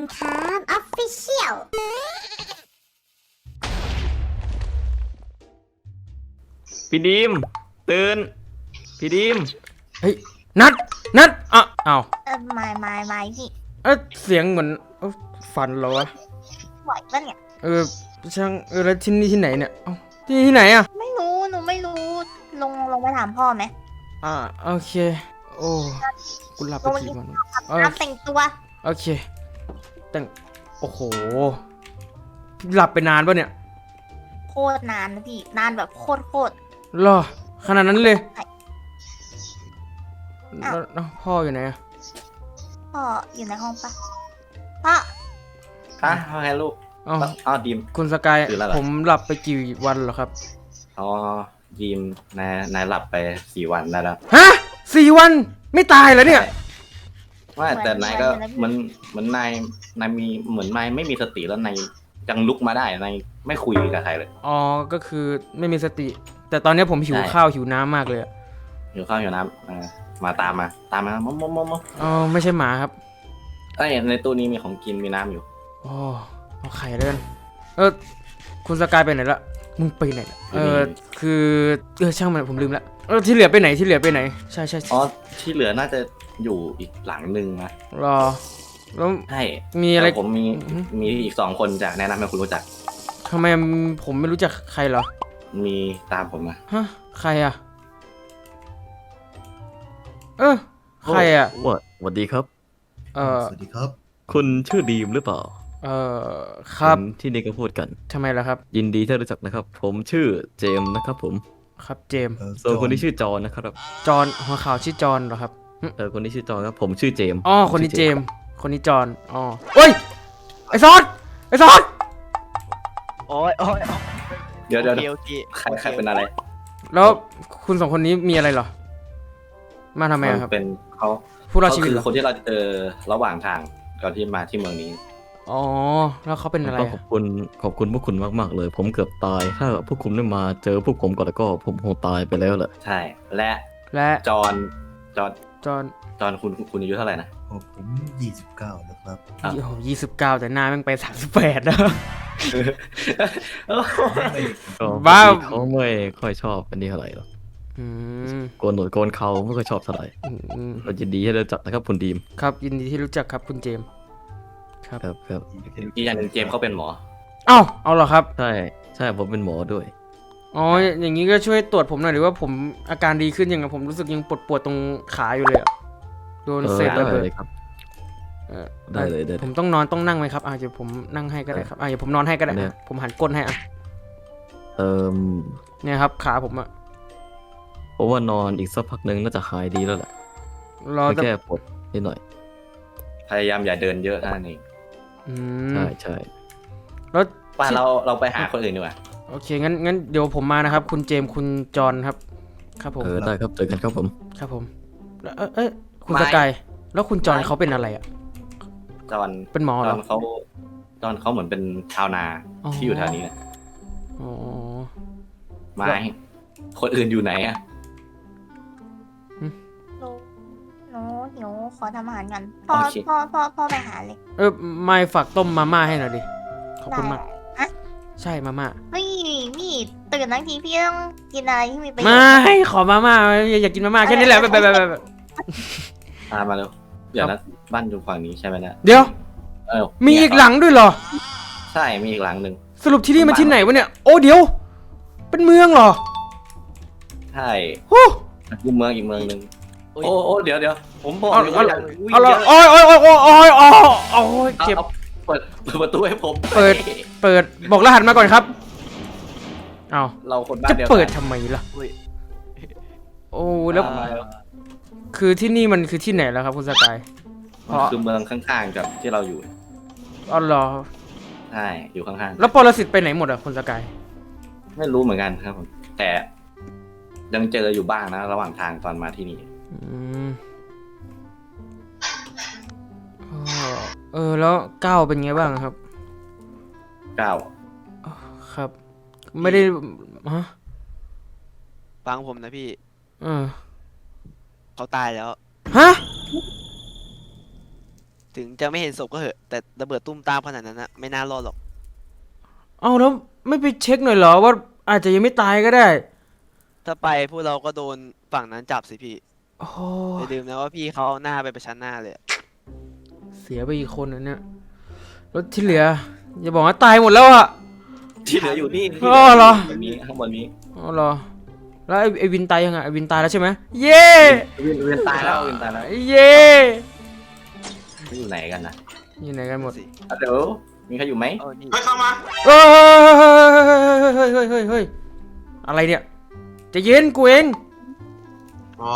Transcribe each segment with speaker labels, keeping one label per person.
Speaker 1: ครับออฟฟิเชียล
Speaker 2: พี่ดีมตื่นพี่ดีม
Speaker 3: เฮ้ยนัดอ้าว
Speaker 1: ไม่พี่
Speaker 3: เสียงเหมือนฝันเหรอวะ
Speaker 1: ไหวปะเนี่ย
Speaker 3: ช่างแล้วที่นี่ที่ไหนเนี่ยเอ้าที่ไหนอ่ะ
Speaker 1: ไม่รู้หนูไม่รู้ลงไปถามพ่อไหม
Speaker 3: โอเคโอ้กูหลับไปกี่วัน
Speaker 1: น้ำแต่งตัว
Speaker 3: โอเคแต่งโอ้โหหลับไปนานปะเนี่ย
Speaker 1: โคตรนานนะพี่นานแบบโคตร
Speaker 3: รอขนาดนั้นเลย
Speaker 1: อ้าว
Speaker 3: แล้วพ่ออยู่ไหนอะ
Speaker 1: พ่ออยู่ในห้องปะพ่อ
Speaker 2: ฮะว่าไงลูก
Speaker 3: อ๋อ
Speaker 2: อ๋อดีม
Speaker 3: คุณสกาย
Speaker 2: ตื่นแล้วเหรอ
Speaker 3: ผมหลับไปกี่วันเหรอครับ
Speaker 2: อ๋อดีมนายหลับไป4 วันได้แล้ว
Speaker 3: ฮะ4 วันไม่ตายแล้วเนี่ย
Speaker 2: ว่าแต่นายก็เหมือนนายมีเหมือนนายไม่มีสติแล้วนายยังลุกมาได้นายไม่คุยกับใครเลย
Speaker 3: อ๋อก็คือไม่มีสติ แต่ตอนนี้ผมหิว
Speaker 2: ใช่
Speaker 3: ข้าวหิวน้ำมากเลยอะ
Speaker 2: อยู่ข้าวอยู่น้ำมาตามมามม
Speaker 3: อ๋อไม่ใช่หมาครับ
Speaker 2: เอ้ยในตู้นี้มีของกินมีน้ำอยู่
Speaker 3: อ๋อเอาไข่เลยกันคุณสกายไปไหนละมึงไปไหนละคือช่างมันผมลืมละที่เหลือไปไหนใช่
Speaker 2: อ๋อที่เหลือน่าจะอยู่อีกหลังหนึ่งนะ
Speaker 3: รอแล้ว
Speaker 2: ใช่
Speaker 3: มีอะไร
Speaker 2: แต่ผมมีอีก2 คนจะแนะนำให้คุณรู้จัก
Speaker 3: ทำไมผมไม่รู้จักใครเหรอ
Speaker 2: มีตามผมมา
Speaker 3: ฮะใครอะใครอะ
Speaker 4: สวัสดีครับ
Speaker 5: สวัสดีครับ
Speaker 4: คุณชื่อดีมหรือเปล่า
Speaker 3: ครับ
Speaker 4: เห็นที่นี่ก็พูดกัน
Speaker 3: ทำไมล่ะครับ
Speaker 4: ยินดีที่รู้จักนะครับ ผมชื่อเจมส์นะครับผม
Speaker 3: ครับเจมส์
Speaker 4: ส่วนคนที่ชื่อจอห์นนะครับ
Speaker 3: จอห์นหัวขาวชื่อจอห์นเหรอครับ
Speaker 4: คนที่ชื่อจอห์นครับ ผมชื่อเจมส์
Speaker 3: อ๋อคนนี้เจมส์คนนี้จอห์นอ๋อเฮ้ยไอซอส
Speaker 6: โอ้ย
Speaker 2: เดี๋ยว
Speaker 6: โอเค
Speaker 2: ใครเป็นอะไร
Speaker 3: แล้วคุณ2 คนนี้มีอะไรเหรอมาทำไมอะครับ
Speaker 2: เป็นเขา
Speaker 3: ผู้รอดชีวิต
Speaker 2: คื
Speaker 3: เหรอ
Speaker 2: คนที่เราเจอระหว่างทางก่อนที่มาที่เมืองนี้
Speaker 3: อ๋อแล้วเขาเป็นอะไร
Speaker 4: ก็ขอบคุณพวกคุณมากๆเลย ผมเกือบตาย ถ้าพวกคุณไม่มาเจอพวกผมก่อนแล้วก็ผมคงตายไปแล้วแหละ
Speaker 2: ใช่ และ
Speaker 3: และ
Speaker 2: จอน
Speaker 3: จอห์น
Speaker 2: คุณอายุเท่าไหร่นะ
Speaker 5: ผม29นะครับ
Speaker 2: อ่ะ
Speaker 3: โอ้โห29แต่หน้าแม่งไป38แล้ว
Speaker 4: ก็
Speaker 3: บ้า
Speaker 4: เขาไม่ค่อยชอบอันนี้เท่าไหร่หรอก
Speaker 3: อืม
Speaker 4: โกนหนวดโกนเขาไม่ค่อยชอบเท่าไหร่
Speaker 3: อืม
Speaker 4: เรายินดีที่ได้รู้จักนะครับคุณดีม
Speaker 3: ครับยินดีที่รู้จักครับคุณเจมส์ครับ
Speaker 4: ครับ
Speaker 2: อีกอย่างหนึงเจมส์เขาเป็นหมอ
Speaker 3: เอาเหรอครับ
Speaker 4: ใช่ผมเป็นหมอด้วย
Speaker 3: อ๋ออย่างนี้ก็ช่วยตรวจผมหน่อยหรือว่าผมอาการดีขึ้นยังไงผมรู้สึกยังปวดตรงขาอยู่เลยอะโดนเศษ
Speaker 4: ได้
Speaker 3: ระเบิด
Speaker 4: เลยครับ
Speaker 3: เออ
Speaker 4: ได้เลย
Speaker 3: ผมต้องนั่งไหมครับเดี๋ยวผมนั่งให้ก็ได้ครับเดี๋ยวผมนอนให้ก็ได้
Speaker 4: เนี่ย
Speaker 3: ผมหันก้นให้
Speaker 4: เอ่อ
Speaker 3: เนี่ยครับขาผมอะ
Speaker 4: เพราะว่านอนอีกสักพักหนึ่งน่าจะหายดีแล้วแหละ
Speaker 3: รอ
Speaker 4: ไม่
Speaker 3: แต่
Speaker 4: แก้ปวดนิดหน่อย
Speaker 2: พยายามอย่าเดินเยอะเท่านั้นเอง
Speaker 3: อืม
Speaker 4: ใช่
Speaker 3: แล้ว
Speaker 2: ว่าเราไปหาคนอื่นดีกว่า
Speaker 3: โอเคงั้นเดี๋ยวผมมานะครับ คุณเจมส์คุณจอห์นครับครับผม
Speaker 4: ได้ครับเจอกันครับผม
Speaker 3: ครับผมแล้วคุณสกายแล้วคุณจอห์นเขาเป็นอะไรอะ
Speaker 2: จอน
Speaker 3: เป็นหมอ
Speaker 2: จ
Speaker 3: เหร
Speaker 2: อ
Speaker 3: อ
Speaker 2: นเขาเหมือนเป็นชาวนา
Speaker 3: อ๋อ
Speaker 2: ที่อยู่แถวนี้นะ
Speaker 3: อ๋อ
Speaker 2: ไม้คนอื่นอยู่ไหนอะ
Speaker 1: หนูหิวขอทำอาหารกันพ่อไปหาเลย
Speaker 3: ไม่ฝากต้มมาม่าให้หน่อยดิขอบคุณมาก
Speaker 1: อะ
Speaker 3: ใช่มาม่า
Speaker 1: พี่ตื่นทั้งทีพี่ต้องกินอะไรที่มีประโยช
Speaker 3: ไม่
Speaker 1: น์
Speaker 3: ขอมาม่าอยากกินมาม่าแค่นี้แหละแบบ
Speaker 2: ตามมาเร็วเดี๋ยวนะบ้านอยู่ฝั่งนี้ใช่ไหมเนี่ย
Speaker 3: เดี๋ยว
Speaker 2: เออ
Speaker 3: มีอีกหลังด้วยเหรอ
Speaker 2: ใช่มีอีกหลังหนึ่ง
Speaker 3: สรุปที่นี่มันที่ไหนวะเนี่ยโอ้เดี๋ยว เป็นเมืองเหรอ
Speaker 2: ใช่
Speaker 3: โอ้
Speaker 2: อีกเมืองหนึ่งโอ้เดี๋ยวผมบอก
Speaker 3: เอา
Speaker 2: เลย
Speaker 3: เอา
Speaker 2: ว่า
Speaker 3: เอาละโอ้ยเจ็บ
Speaker 2: เปิดประตูให้ผม
Speaker 3: เปิดบอกรหัสมาก่อนครับเอา
Speaker 2: เราคนบ้า
Speaker 3: จะ
Speaker 2: นเดียว
Speaker 3: เปิด
Speaker 2: กัน
Speaker 3: ทำไมล่ะ
Speaker 6: อุ้ย
Speaker 3: โอ้แล้ว
Speaker 2: มาแล้ว
Speaker 3: คือที่นี่มันคือที่ไหนแล้วครับคุณสกาย
Speaker 2: มันคือเมืองข้างๆกับที่เราอยู่
Speaker 3: อ๋อเหรอ
Speaker 2: ใช่อยู่ข้าง
Speaker 3: แล้วปรสิตไปไหนหมดอะคุณสกาย
Speaker 2: ๆไม่รู้เหมือนกันครับผมแต่ยังเจออยู่บ้างนะ ระหว่างทางตอนมาที่นี่
Speaker 3: อืมแล้วก้าวเป็นไงบ้างครับ
Speaker 2: เก้า
Speaker 3: ครับ ไม่ได้ฮะ
Speaker 6: ฟังผมนะพี่
Speaker 3: เออ
Speaker 6: เขาตายแล้ว
Speaker 3: ฮะ
Speaker 6: ถึถึงจะไม่เห็นศพก็เหอะแต่ระเบิดตุ้มตามขนาดนั้นนะไม่น่ารอดหรอก
Speaker 3: เอาแล้วไม่ไปเช็คหน่อยเหรอว่าอาจจะยังไม่ตายก็ได้
Speaker 6: ถ้าไปพวกเราก็โดนฝั่งนั้นจับสิพี่
Speaker 3: โอ้
Speaker 6: อย่าลืมนะว่าพี่เขาเอาหน้าไปประชันหน้าเลยอะ
Speaker 3: เสียไปอีกคนนะเนี่ยแล้วที่เหลืออย่าบอกว่าตายหมดแล้วอะ
Speaker 2: ที่เหลืออยู่นี่
Speaker 3: อ๋อเหรอ
Speaker 2: ข้างบนนี้ข้างบนนี้
Speaker 3: อ๋อเหรอแล้วไอ้วินตายยังไงไอ้วินตายแล้วใช่ไหมเย้
Speaker 2: เวียนตายแล้วเวียนตายแล้ว
Speaker 3: เย้
Speaker 2: อยู่ไหนกันนะ
Speaker 3: อยู่ไหนกันหมด
Speaker 6: สิ
Speaker 2: อ่ะเดี๋ยวมีใครอยู่ไหม
Speaker 6: เออนี่
Speaker 3: เฮ้ยเฮ้ยอะไรเนี่ยใจะเย็นกูเอง
Speaker 7: อ๋อ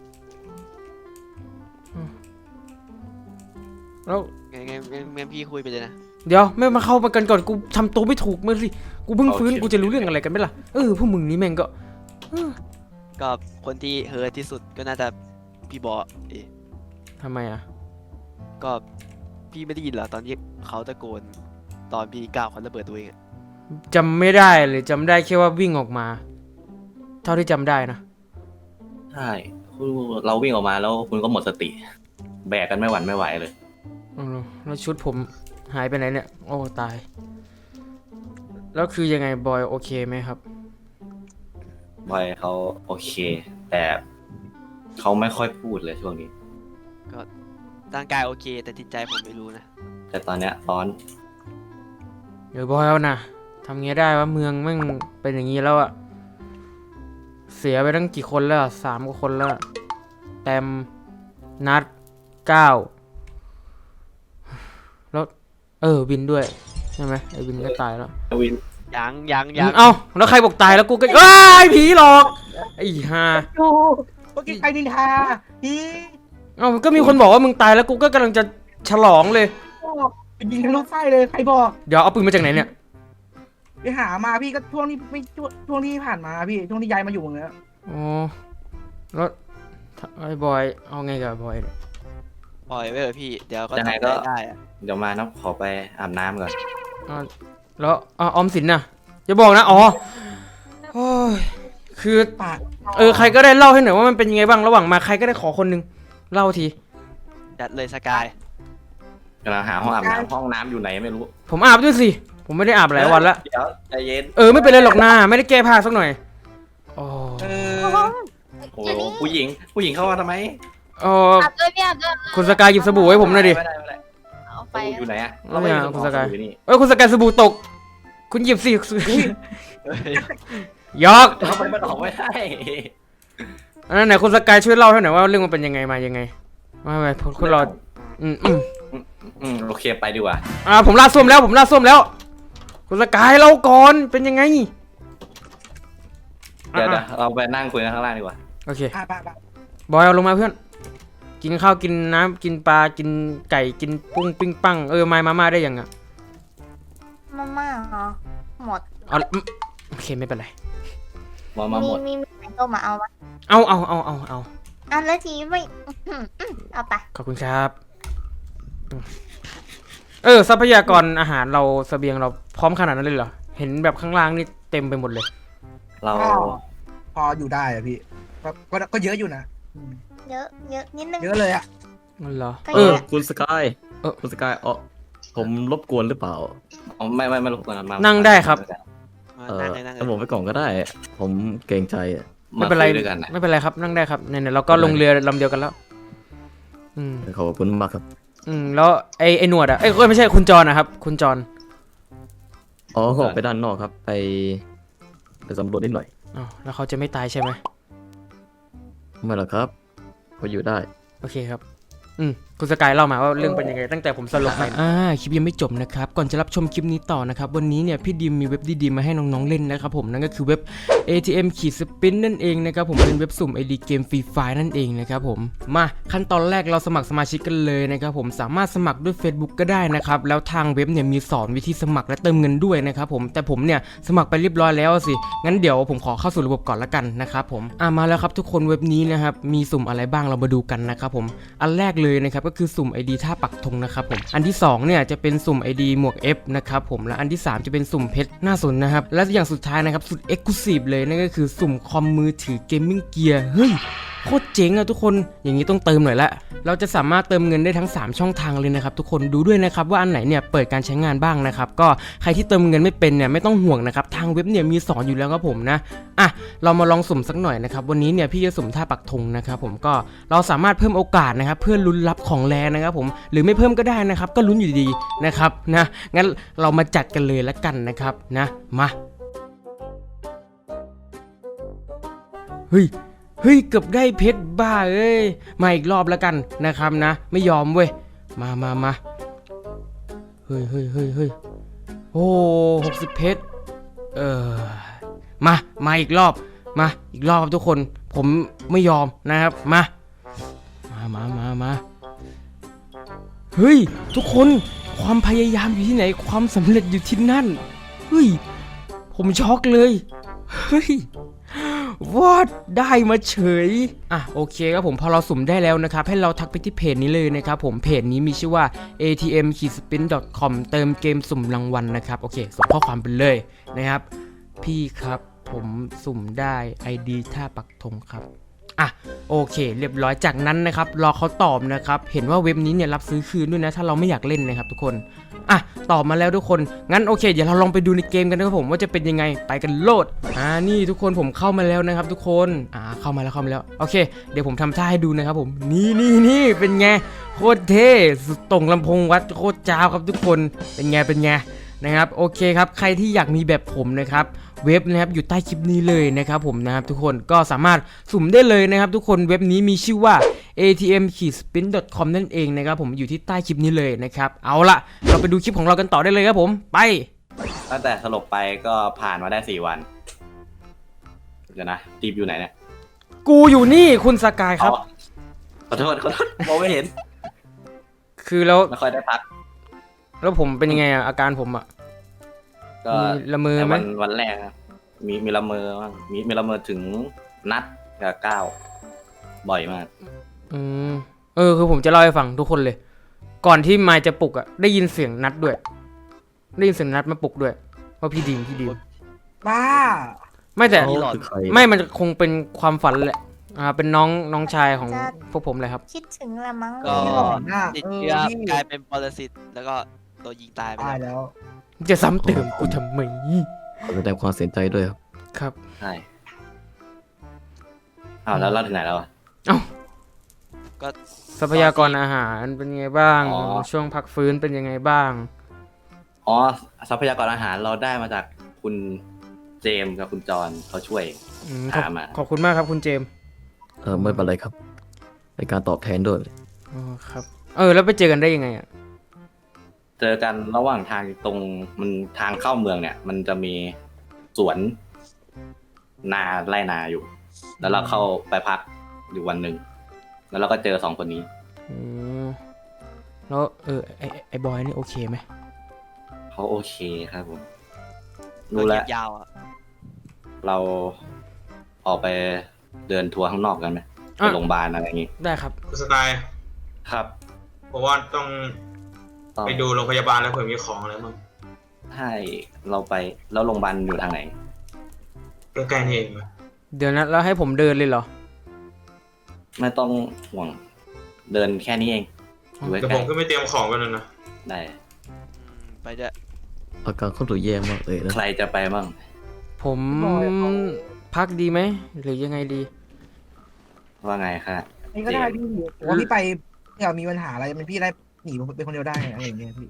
Speaker 3: แล้ว
Speaker 6: งั้นพี่คุยไปเลยนะ
Speaker 3: เดี๋ยวไม่มาเข้ามากันก่อนกูทำตัวไม่ถูกมึงสิกูเพิ่งฟื้นกูจะรู้เรื่องอะไรกันไหมล่ะพวกมึงนี่แม่งก็
Speaker 6: ก็คนที่เฮิร์ตที่สุดก็น่าจะพี่บอเอะ
Speaker 3: ทำไมอ่ะ
Speaker 6: ก็พี่ไม่ได้ยินเหรอตอนที่เขาตะโกนตอนพี่ก้าวเขาระเบิดตัวเองอะ
Speaker 3: จำไม่ได้เลยจำได้แค่ว่าวิ่งออกมา เท่าที่จำได้นะ
Speaker 2: ใช่เราวิ่งออกมาแล้วคุณก็หมดสติ แบกกันไม่หวั่นไม่ไหวเลย
Speaker 3: แล้วชุดผมหายไปไหนเนี่ยโอ้ตายแล้วคือยังไงบอยโอเคไหมครับ
Speaker 2: บอยเขาโอเค แต่เขาไม่ค่อยพูดเลยช่วงนี้
Speaker 6: ร่างกายโอเค แต่จิตใจผมไม่รู้นะ
Speaker 2: แต่ตอนเนี้ยร้อน
Speaker 3: เดี๋ยวบอยเอานะทำไงได้ว่าเมืองแม่งเป็นอย่างนี้แล้วอะเสียไปตั้งกี่คนแล้วอะ3 กว่าคนแล้วอะแตมนัด9แล้ววินด้วยใช่ไหมไอ้วินก็ตายแล้ว
Speaker 2: วิน
Speaker 6: ยัง
Speaker 3: เอ้าแล้วใครบอกตายแล้วกูก็อ้ายผีหลอกไอ้ห่า
Speaker 8: โอ้เมื่อกี้ใครนินทาพี่
Speaker 3: เอ้าก็มีคนบอกว่ามึงตายแล้วกูก็กำลังจะฉลองเลย
Speaker 8: ไปยิงทะลุไส้เลยใครบอก
Speaker 3: เดี๋ยวเอาปืนมาจากไหนเนี่ย
Speaker 8: ไปหามาพี่ก็ช่วงนี้ไม่ช่วงที่ผ่านมาพี่ช่วงที่ย้ายมาอยู่เนี้ย
Speaker 3: อ๋อแล้วไอ้บอยเอาไงกับบอยเนี่ย
Speaker 6: ปล่อยไว้เถอะพี่ เดี๋ยวก็
Speaker 2: ยังไง
Speaker 6: ทำ
Speaker 2: ก็
Speaker 6: ได้อะ
Speaker 2: เดี๋ยวมานะขอไปอาบน้ำก่อน
Speaker 3: อ่าแล้วออมสินน่ะอย่าบอกนะอ๋อโอ้ยคือ
Speaker 8: ปาก
Speaker 3: ใครก็ได้เล่าให้หน่อยว่ามันเป็นยังไงบ้างระหว่างมาใครก็ได้ขอคนนึงเล่าที
Speaker 6: จัดเลยสกาย
Speaker 2: กำลังหาห้องอาบน้ำห้องน้ำอยู่ไหนไม่รู้
Speaker 3: ผมอาบด้วยสิผมไม่ได้อาบหลายวันละ
Speaker 2: เดี๋ยวใจเย็น
Speaker 3: ไม่เป็นไรหรอกนะไม่ได้แก้ผ้าสักหน่อยโอ้
Speaker 8: เอ
Speaker 1: โอ้
Speaker 8: อ
Speaker 2: โอ้โหผู้หญิงเข้ามาทำไม
Speaker 1: อาบด้วยพี่อาบด้วย
Speaker 3: คุณสกายหยิบสบู่ให้ผมหน่อยดิ
Speaker 2: ไม่ได้ไม่ได้
Speaker 1: เอา
Speaker 2: ส
Speaker 1: ไป
Speaker 2: บู่อยู่ไหนอะ
Speaker 3: เอาไม่เอา
Speaker 2: เร
Speaker 3: คุณสกาย
Speaker 2: อยู่นี่
Speaker 3: คุณสกายสบู่ตก คุณหยิบสิ
Speaker 6: เฮ้ย
Speaker 3: ยอก
Speaker 2: เอาไปมันออกไม่ได้
Speaker 3: อันนั้นไหนคุณสกายช่วยเล่าให้หน่อยว่าเรื่องมันเป็นยังไงมายังไงมาไปคุณรอ
Speaker 2: โอเคไปดีกว่า
Speaker 3: ผมลาดส้วมแล้วคุณสกายเล่าก่อนเป็นยังไง
Speaker 2: เดี๋ยวเราไปนั่งคุยกันข้างล่างดีกว่า
Speaker 3: โอเค
Speaker 8: ไป
Speaker 3: บอยเอาลงมาเพื่อนกินข้าวกินน้ำกินปลากินไก่กินปุ้งปิ้งปังไม้มาม่าได้ยังอ่ะ
Speaker 1: มาม่าเหรอหมด
Speaker 3: โอเคไม่เป็นไร
Speaker 2: มาหมด
Speaker 1: มีไหนก็มาเอาวะ
Speaker 3: เอา
Speaker 1: อันแล้วทีไม่เอาไป
Speaker 3: ขอบคุณครับทรัพยากรอาหารเราเสบียงเราพร้อมขนาดนั้นเลยเหรอเห็นแบบข้างล่างนี่เต็มไปหมดเลย
Speaker 2: เรา
Speaker 8: พออยู่ได้อะพี่ก็เยอะอยู่นะ
Speaker 1: เยอะนิดนึง
Speaker 8: เยอะเลยอะ
Speaker 3: นั่นเหรอ
Speaker 1: ก็เยอะ
Speaker 4: คุณสกายคุณสกายผมรบกวนหรือเปล่า
Speaker 2: ไม่รบกวนมา
Speaker 3: นั่งได้ครับ
Speaker 6: นั่งเลยนั่งเล
Speaker 4: ถ้าผม
Speaker 6: ย
Speaker 4: ไปก่อนก็ได้ ผมเกรงใจอะ
Speaker 3: ไม่เป็นไร
Speaker 2: คุยด้วยกันนะ
Speaker 3: ไม่เป็นไรครับนั่งได้ครับเนี่ยเราก็ลงเรือลำเดียวกันแล้ว
Speaker 4: ขอบคุณมากครับ
Speaker 3: แล้วไอ้หนวดอ่ะไม่ใช่คุณจรนะครับคุณจร
Speaker 4: เขาออกไปด้านนอกครับ ไปสำรวจนิดหน่อย
Speaker 3: แล้วเขาจะไม่ตายใช่ไหม
Speaker 4: ไม่หรอกครับเขาอยู่ได้
Speaker 3: โอเคครับคุณสกายเล่ามาว่าเรื่องเป็นยังไงตั้งแต่ผมสลบไปคลิปยังไม่จบนะครับก่อนจะรับชมคลิปนี้ต่อนะครับวันนี้เนี่ยพี่ดิมมีเว็บดีๆมาให้น้องๆเล่นนะครับผมนั่นก็คือเว็บ ATM-Spin นั่นเองนะครับผมเป็นเว็บสุ่ม ID เกมฟรีไฟนั่นเองนะครับผมมาขั้นตอนแรกเราสมัครสมาชิกกันเลยนะครับผมสามารถสมัครด้วย Facebook ก็ได้นะครับแล้วทางเว็บเนี่ยมีสอนวิธีสมัครและเติมเงินด้วยนะครับผมแต่ผมเนี่ยสมัครไปเรียบร้อยแล้วสิงั้นเดี๋ยวผมขอเข้าสู่ระบบก่อนละกันนะครับผมมาแล้วครับทุกคนเว็บนี้นะครับมีสุ่มอะไรบ้างเรามาดูกันนะครับผมอันแรกเลยนะครับก็คือสุ่ม ID ท่าปักธงนะครับผมอันที่2เนี่ยจะเป็นสุ่ม ID หมวก F นะครับผมและอันที่3จะเป็นสุ่มเพชรน่าสนนะครับและอย่างสุดท้ายนะครับสุด Exclusive เลยนั่นก็คือสุ่มคอมมือถือเกมมิ่งเกียร์เฮ้ยโคตรเจ๋งอะทุกคนอย่างนี้ต้องเติมหน่อยละเราจะสามารถเติมเงินได้ทั้ง3ช่องทางเลยนะครับทุกคนดูด้วยนะครับว่าอันไหนเนี่ยเปิดการใช้งานบ้างนะครับก็ใครที่เติมเงินไม่เป็นเนี่ยไม่ต้องห่วงนะครับทางเว็บเนี่ยมีสอนอยู่แล้วครับผมนะอ่ะเรามาลองสุ่มสักหน่อยนะครับวันนี้เนี่ยพี่จะสุ่มท่าปักธงนะครับผมก็เราสามารถเพิ่มโอกาสนะครับเพื่อลุ้นรับของแรงนะครับผมหรือไม่เพิ่มก็ได้นะครับก็ลุ้นอยู่ดีๆนะครับนะงั้นเรามาจัดกันเลยละกันนะครับนะมาเฮ้ยเกือบได้เพชรบ้าเอ้ยมาอีกรอบแล้วกันนะครับนะไม่ยอมเว้ยมาเฮ้ยโอ้60เพชรมาอีกรอบครับทุกคนผมไม่ยอมนะครับมาเฮ้ยทุกคนความพยายามอยู่ที่ไหนความสำเร็จอยู่ที่นั่นเฮ้ยผมช็อกเลยเฮ้ยวอดได้มาเฉยอ่ะโอเคครับผมพอเราสุ่มได้แล้วนะครับให้เราทักไปที่เพจนี้เลยนะครับผมเพจนี้มีชื่อว่า atm-spin.com เติมเกมสุ่มรางวัลนะครับโอเคส่งข้อความไปเลยนะครับพี่ครับผมสุ่มได้ ID ท่าปักธงครับอ่ะโอเคเรียบร้อยจากนั้นนะครับรอเขาตอบนะครับเห็นว่าเว็บนี้เนี่ยรับซื้อคืนด้วยนะถ้าเราไม่อยากเล่นนะครับทุกคนอ่ะตอบมาแล้วทุกคนงั้นโอเคเดี๋ยวเราลองไปดูในเกมกันนะครับผมว่าจะเป็นยังไงไปกันโลดนี่ทุกคนผมเข้ามาแล้วนะครับทุกคนเข้ามาแล้วโอเคเดี๋ยวผมทำท่าให้ดูนะครับผมนี่เป็นไงโคตรเท่สุดตรงลำโพงวัดโคตรจ้าวครับทุกคนเป็นไงนะครับโอเคครับใครที่อยากมีแบบผมนะครับเว็บนะครับอยู่ใต้คลิปนี้เลยนะครับผมนะครับทุกคนก็สามารถสุ่มได้เลยนะครับทุกคนเว็บนี้มีชื่อว่า atm-spin.com นั่นเองนะครับผมอยู่ที่ใต้คลิปนี้เลยนะครับเอาละเราไปดูคลิปของเรากันต่อได้เลยครับผมไป
Speaker 2: ตั้งแต่สลบไปก็ผ่านมาได้4 วันเดี๋ยวนะทีมอยู่ไหนเนี่ย
Speaker 3: กูอยู่นี่คุณสกายครับ
Speaker 2: ขอโทษมองไม่เห็น
Speaker 3: คือแล้ว
Speaker 2: ไม่ค่อยได้พัก
Speaker 3: แล้วผมเป็นยังไงอาการผมก็ละเมอไหม
Speaker 2: วันแรกมีละเมอบ้างมีละเมอถึงนัดกับ9บ่อยมาก
Speaker 3: คือผมจะเล่าให้ฟังทุกคนเลยก่อนที่มายจะปลุกได้ยินเสียงนัดด้วยได้ยินเสียงนัดมาปลุกด้วยว่าพี่ดีม
Speaker 8: บ้า
Speaker 3: ไม่แต่ไม่มันคงเป็นความฝันแหละเป็นน้องชายของพวกผมเลยครับ
Speaker 1: คิดถึงละมั้ง
Speaker 6: ก็ติดเชื้อกลายเป็นปรสิตแล้วก็โดนยิงตายไป
Speaker 8: แล้ว
Speaker 3: จะซ้ำเติมกูทำไม
Speaker 4: ขอแสดงความเสียใจด้วย
Speaker 3: ครับ
Speaker 2: ใช่แล้วเราถึงไหนแล้ว
Speaker 6: ก็
Speaker 3: ทรัพยากรอาหารเป็นไงบ้างช่วงพักฟื้นเป็นยังไงบ้าง
Speaker 2: ทรัพยากรอาหารเราได้มาจากคุณเจมส์กับคุณจอนเขาช่วยหามา
Speaker 3: ขอบคุณมากครับคุณเจมส์
Speaker 4: ไม่เป็นไรครับในการตอบแทนด้วย
Speaker 3: ครับแล้วไปเจอกันได้ยังไง
Speaker 2: เจอกันระหว่างทางตรงมันทางเข้าเมืองเนี่ยมันจะมีสวนนาไร่นาอยู่แล้วเราเข้าไปพักอยู่วันหนึ่งแล้วเราก็เจอ2 คนนี้
Speaker 3: แล้วไอ้บอยนี่โอเคไหม
Speaker 2: เขาโอเคครับผมรู้แล้ว
Speaker 6: ยาว
Speaker 2: เราออกไปเดินทัวร์ข้างนอกกันไหมไปโรงพยาบาลอะไรอย่างงี้
Speaker 3: ได้ครับ
Speaker 7: สกาย
Speaker 2: ครับ
Speaker 7: เพราะว่าต้องไปดูโรงพยาบาลแล้วเผื่อมีของอะไรมั้ง
Speaker 2: ใช่เราไปแล้วโรงพยาบาลอยู่ทางไหน
Speaker 7: ใกล้ๆนี่เอง
Speaker 3: เดี๋ยวนะแล้วให้ผมเดินเลยเหรอ
Speaker 2: ไม่ต้องห่วงเดินแค่นี้เอง
Speaker 7: แต่ผมก็ไม่เตรียมของกันเลยนะ
Speaker 2: ได้
Speaker 6: ไปจะ
Speaker 4: อาการเขาตัวแย่มากเลยนะ
Speaker 2: ใครจะไปบ้าง
Speaker 3: ผมพักดีไหมหรือยังไงดี
Speaker 2: ว่าไงค่ะ
Speaker 8: นี่ก็ได้พี่ว่าพี่ไปอยากมีปัญหาอะไรมันพี่ได้หนีเป็นคนเดียวได้อะไรอย่างเงี้ยพี่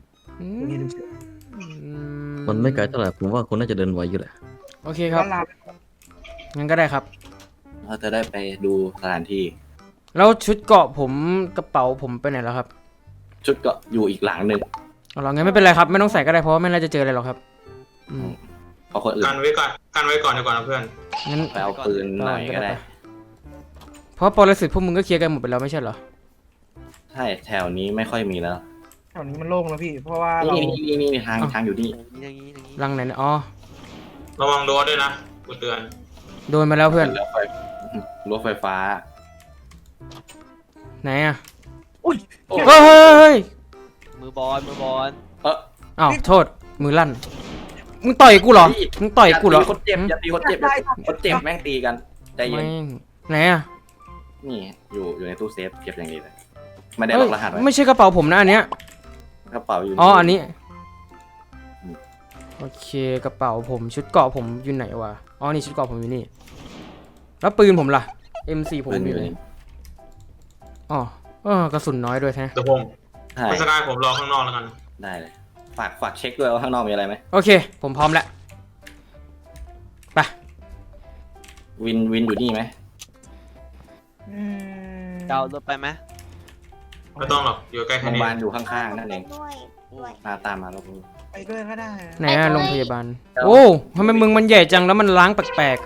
Speaker 4: มันไม่ไกลเท่าไหร่ผมว่าคุณน่าจะเดินไหวอยู่แหละ
Speaker 3: โอเคครับงั้นก็ได้ครับ
Speaker 2: เราจะได้ไปดูสถานที่
Speaker 3: แล้วชุดเกาะผมกระเป๋าผมไปไหนแล้วครับ
Speaker 2: ชุดเกาะอยู่อีกหลังหนึ่ง
Speaker 3: งั้นไม่เป็นไรครับไม่ต้องใส่ก็ได้เพราะว่าไม่น่าจะเจออะไรหรอกครับ
Speaker 2: เพราะคนอื่น
Speaker 7: กันไว้ก่อนดีกว่านะเพื่อน
Speaker 3: งั้น
Speaker 2: ไปเอาปืนหน่อยก็ได้
Speaker 3: เพราะปรสิตพวกมึงก็เคลียร์กันหมดไปแล้วไม่ใช่เหรอ
Speaker 2: ใช่แถวนี้ไม่ค่อยมีแล้ว
Speaker 8: แถวนี้มันโล่งแล้วพี่เพราะว่า
Speaker 2: นี่ทางอยู่นี่
Speaker 3: รังไหนนะ
Speaker 7: ระวังโดนด้วยนะกูเตือน
Speaker 3: โดนมาแล้วเพื่อน
Speaker 2: รถไฟฟ้า
Speaker 3: ไหน
Speaker 8: อุ้ย
Speaker 3: เฮ้ย
Speaker 6: มือบอล
Speaker 3: โทษมือลั่นมึงต่อยกูเหรอมึงต่อยกูเหรอ
Speaker 2: คนเจ็บอย่าตีคนเจ็บคนเจ็บแม่งตีกันใจเย็น
Speaker 3: ไหน
Speaker 2: นี่อยู่ในตู้เซฟเก็บอย่างดีเลยไม่ได้ล็อกรหัสไว้
Speaker 3: ไม่ใช่กระเป๋าผมนะอันเนี้ย
Speaker 2: กระเป๋าอยู่
Speaker 3: อ๋ออันนี้โอเคกระเป๋าผมชุดเกราะผมอยู่ไหนวะอ๋อนี่ชุดเกราะผมอยู่นี่แล้วปืนผมล่ะ M4 ผม
Speaker 2: ปืน
Speaker 3: อ
Speaker 2: อยู่
Speaker 3: ยู่ไหน
Speaker 2: นี่
Speaker 3: อ๋อกระสุนน้อยด้วยแท้
Speaker 7: เดี๋ยวผม
Speaker 2: ใช่
Speaker 7: ไม่สกายผมรอข้างนอกแล้วกัน
Speaker 2: ได้เลยฝากเช็คด้วยว่าข้างนอกมีอะไรไหม
Speaker 3: โอเค ผมพร้อมแล้วไป
Speaker 2: วินอยู่นี่ไหม
Speaker 6: เดารถไปไหม
Speaker 7: ไม่ต้องหรอกอยู่ใกล้
Speaker 2: โร
Speaker 7: แค่
Speaker 2: งพ
Speaker 7: นี้
Speaker 2: ยาบาลอยู่ข้างๆนั่นเอง
Speaker 1: ด้วย
Speaker 2: มาตามมาแล้ว
Speaker 8: ไปด้วยก็ได้
Speaker 3: ไหนอะโรงพยาบาลโอ้ทำไมมึงมันใหญ่จังแล้วมันล้างแปลก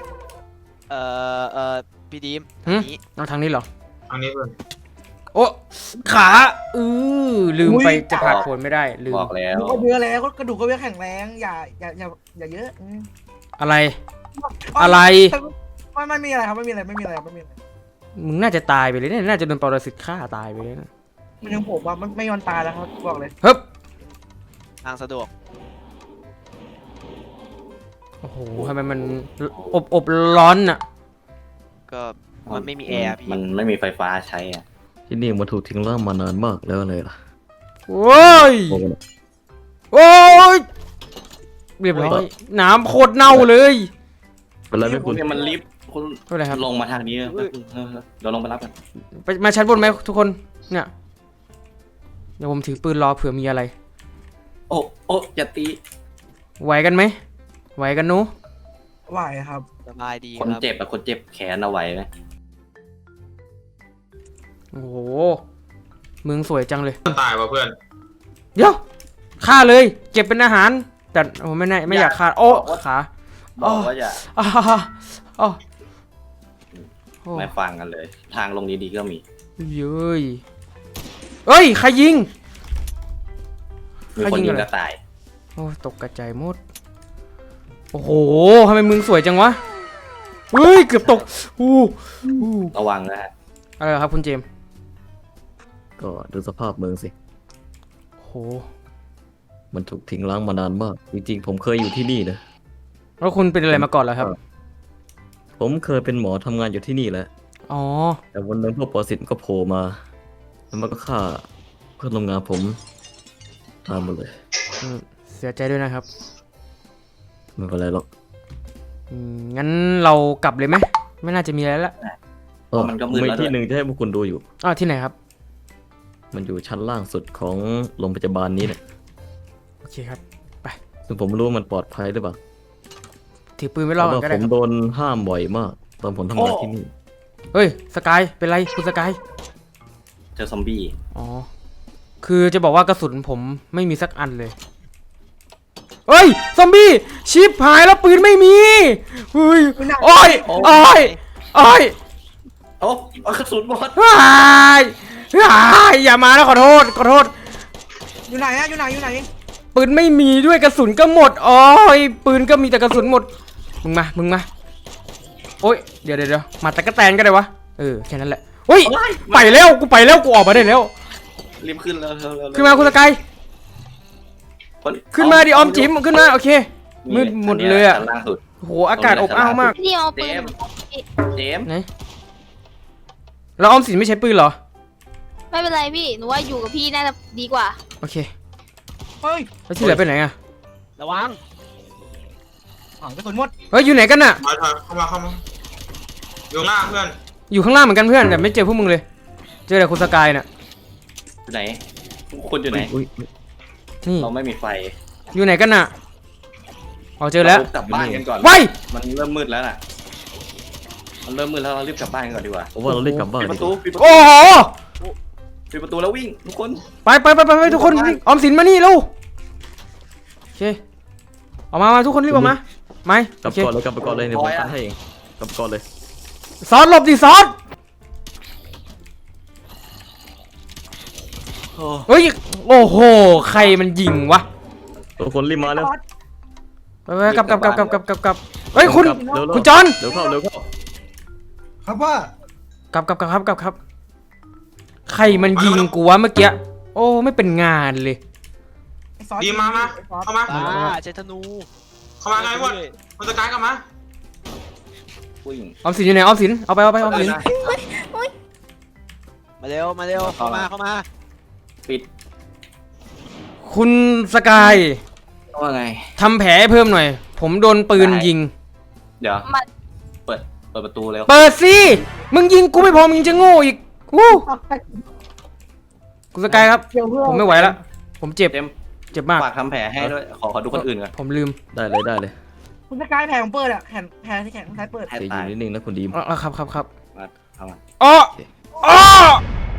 Speaker 6: พี่ดีม
Speaker 3: หึ
Speaker 6: อันนี้
Speaker 3: ๆเอาทางนี้เหรอ
Speaker 7: อันนี้เพื่อน
Speaker 3: โอ้ขาลืมไปจะผ่าโผลไม่ได้ลืม
Speaker 2: บอกแล้ว
Speaker 8: ก็เยอะแล้วก็กระดูกก็เยอะแข็งแรงอย่าเยอะ
Speaker 3: อะไร อะไร
Speaker 8: ไม่มีอะไรครับไม่มีอะไร
Speaker 3: มึงน่าจะตายไปเลยเนี่ยน่าจะโดนปรสิตฆ่าตายไปเลยนะ
Speaker 8: มันยังผมว่าไม่ยอนตายแล้วครับบอกเลย
Speaker 3: เฮ้ย
Speaker 6: ทางสะดวก
Speaker 3: โอ้โหทำไมมันอบร้อนอะ
Speaker 6: ก็มันไม่มีแอร์พี่
Speaker 2: มันไม่มีไฟฟ้าใช้อะ
Speaker 4: ที่นี่มันถูกทิ้งร้างมานานมากแล้วเลยล่ะ
Speaker 3: โอ้ย
Speaker 4: โอ้โห
Speaker 3: โอ้ยเรียบร้อยน้ำโคตรเน่าเลย
Speaker 4: เป็นไรไหม
Speaker 2: คุ
Speaker 4: คุณ ณ
Speaker 2: เนี่ยมันลิฟต์คุณ
Speaker 3: ไม่เป็นไรครับ
Speaker 2: ลงมาทางนี้เดี๋ยวลงไปรับกัน
Speaker 3: ไปมาชั้นบนไหมทุกคนเนี่ยเดี๋ยวผมถือปืนรอเผื่อมีอะไร
Speaker 2: โอ้อย่าตี
Speaker 3: ไหวกันไหมไหวกันหนู
Speaker 8: ไหวครับ
Speaker 6: สบายดี
Speaker 2: คน
Speaker 6: ครับ
Speaker 2: เจ็บอะคนเจ็บแขนเอาไว้ไหม
Speaker 3: โอ้โหเมืองสวยจังเลย
Speaker 7: ตายว่ะเพื่อน
Speaker 3: เดี๋ยวฆ่าเลย เก็บเป็นอาหาร แต่ผมไม่อยากฆ่าโอ้ขา
Speaker 2: บอกว่าอย่า
Speaker 3: อ้าอ้าโอ้
Speaker 2: ไม่ฟังกันเลย ทางลงดีๆก็มี
Speaker 3: เย้ยเอ้ยใครยิง
Speaker 2: มีคนยิง
Speaker 3: อะไร
Speaker 2: กระต่าย
Speaker 3: โอ้ตกกระจายหมดโอ้โหทำไมมึงสวยจังวะเฮ้ยเกือบตกอู้
Speaker 2: ระวังนะฮะ
Speaker 3: อะไรครับคุณเจมส์
Speaker 4: ก็ดูสภาพเมืองสิ
Speaker 3: โอ้โห
Speaker 4: มันถูกทิ้งร้างมานานมาก จริงๆ ผมเคยอยู่ที่นี่นะ
Speaker 3: แล้วคุณเป็นอะไรมาก่อนเหรอครับ
Speaker 4: ผมเคยเป็นหมอทำงานอยู่ที่นี่แหละ
Speaker 3: อ๋อ
Speaker 4: แต่วันหนึงพวกปรสิตก็โผล่มา แล้วมันก็ฆ่าเพื่อนร่วมงานผมตามมาเลย
Speaker 3: อืมเสียใจด้วยนะครับ
Speaker 4: ไม่เป็นไรหรอก
Speaker 3: งั้นเรากลับเลยไหมไม่น่าจะมีอะไรละ
Speaker 2: เพราะมันก็มืด
Speaker 4: มี
Speaker 2: แล้วด้
Speaker 4: ที่
Speaker 2: วย
Speaker 4: หนึ่งจะให้พวกคุณดูอยู่
Speaker 3: อ้าวที่ไหนครับ
Speaker 4: มันอยู่ชั้นล่างสุดของโรงพยาบาลนี้เนี่ย
Speaker 3: โอเคครับ
Speaker 4: ซึ่งผมไม่รู้ว่ามันปลอดภัยหรือเปล่า
Speaker 3: ถือปืนไว้
Speaker 4: เพ
Speaker 3: รอ
Speaker 4: ราะ
Speaker 3: ก่อ
Speaker 4: ว่าน
Speaker 3: ก็
Speaker 4: ผ
Speaker 3: ได้
Speaker 4: ม
Speaker 3: ครับ
Speaker 4: โดนห้ามบ่อยมาก ตอนผมทำงานที่นี่
Speaker 3: เฮ้ยสกายเป็นไรคุณสกาย
Speaker 2: เจอซอมบี้
Speaker 3: อ๋อคือจะบอกว่ากระสุนผมไม่มีสักอันเลยเฮ้ยซอมบี้ชิปหายแล้วปืนไม่มีเฮ้ยโอ้ยโอ้ยโอ้ย
Speaker 2: โอ้กระสุนหมด
Speaker 3: ว้ายว้ายอย่ามานะขอโทษขอโทษ
Speaker 8: อยู่ไหนอะอยู่ไหน
Speaker 3: ปืนไม่มีด้วยกระสุนก็หมดโอ้ยปืนก็มีแต่กระสุนหมดมึงมาโอ้ยเดี๋ยวมาตะกะแตนก็ได้วะแค่นั้นแหละเฮ้ยไปแล้วกูออกมาได้แล้ว
Speaker 2: รีบขึ้นแล้ว
Speaker 3: ขึ้นมาคุณสกายขึ้นมาดิออมจิ๋มขึ้นมาโอเคมืดหมดเลยอะ
Speaker 2: ชั้นล่างสุด
Speaker 3: โหอากาศอบอ้าวมาก
Speaker 1: พี่เอาปืน
Speaker 2: เจมส์
Speaker 3: ไหนแล้วออมสินไม่ใช้ปืนเหรอ
Speaker 1: ไม่เป็นไรพี่หนูว่าอยู่กับพี่น่าจะดีกว่า
Speaker 3: โอเค
Speaker 8: เฮ้ย
Speaker 3: แล้วที่เหลือไปไหนอะ
Speaker 6: ระวัง
Speaker 8: กระสุนหมด
Speaker 3: เฮ้ยอยู่ไหนกันน่ะ
Speaker 7: ถอยเข้ามาอยู่หน้าเพื่อน
Speaker 3: อยู่ข้างล่างเหมือนกันเพื่อนแต่ไม่เจอพวกมึงเลย เจอแต่คุณสกายน่ะ
Speaker 2: อยู่ไหนคุณอยู่ไหน
Speaker 4: อุ๊ย
Speaker 3: นี่
Speaker 2: เราไม่มีไฟ
Speaker 3: อยู่ไหนกันน่ะอ๋อเจอแล้ว
Speaker 2: เรากลับบ้านกันก่อน
Speaker 3: ไว้
Speaker 2: มันเริ่มมืดแล้วน่ะมันเริ่มมืดแล้วเรารีบกลับบ้านกันก่อนดีกว่า
Speaker 4: ผมว่าเราเล่นกลับบ้าน
Speaker 2: ปิดป
Speaker 4: ดี
Speaker 2: ระ
Speaker 4: ก
Speaker 2: ตู
Speaker 4: ว่า
Speaker 2: ปิดประตู
Speaker 3: โอ้โห
Speaker 2: ปิดประตูแล้ววิ่งทุกคน
Speaker 3: ไปทุกคนวิ่งออมสินมานี่เร็วโอเคออกมาทุกคนรีบออกมาไม่
Speaker 4: กลั
Speaker 3: โอบ เค
Speaker 4: ก่อนเลยกลับไปก่อนเลยเดี๋ยวผมกันให้เองกลับก่อนเลย
Speaker 3: ซอสหลบดิซอสเฮ้ยโอ้โหใครมันยิงวะ
Speaker 4: ทุกคนรีบมาแล้ว
Speaker 3: ไปกลับเฮ้ยคุณ
Speaker 4: เร็วๆ
Speaker 3: คุณจอน
Speaker 4: เร็วเข้า
Speaker 5: ครับว่า
Speaker 3: กลับใครมันยิงกูวะเมื่อกี้โอ้ไม่เป็นงานเลย
Speaker 7: ดีมาเข้ามา
Speaker 6: ใช้ธนู
Speaker 7: เข้ามาไงหมดมันจะกลายกลับมา
Speaker 2: วิ่ง
Speaker 3: ออมสินอยู่ไหนออมสินเอาไปออมสิน
Speaker 6: มาเร็วมาเร็วเข้ามา
Speaker 2: ปิด
Speaker 3: คุณสกาย
Speaker 2: ว่าไง
Speaker 3: ทำแผลให้เพิ่มหน่อย ผมโดนปืนยิง
Speaker 2: เดี๋ยว
Speaker 1: มัน
Speaker 2: เปิดประตูเร็ว
Speaker 3: เปิดสิมึงยิงกูไม่พอมึงจะโง่อีกวู้คุณสกายครับ
Speaker 8: เดี๋ยวเพื่อน
Speaker 3: ผมไม่ไหวแล้วผมเจ็บ
Speaker 2: เจมส์
Speaker 3: เจ็บมาก
Speaker 2: ฝากทำแผลให้ด้วย ขอดูคนอื่นก่อน
Speaker 3: ผมลืม
Speaker 4: ได้เลย
Speaker 8: คุณสกายแผลของเปิดอะแผลที่แขนซ้ายเปิด
Speaker 2: ให้
Speaker 4: เดี๋ยวอ
Speaker 2: ตาย
Speaker 4: ยู่นิ่งๆนะคุณดีม
Speaker 3: อ๋อครับ
Speaker 2: เข้ามา
Speaker 3: อ๋ออ๋อ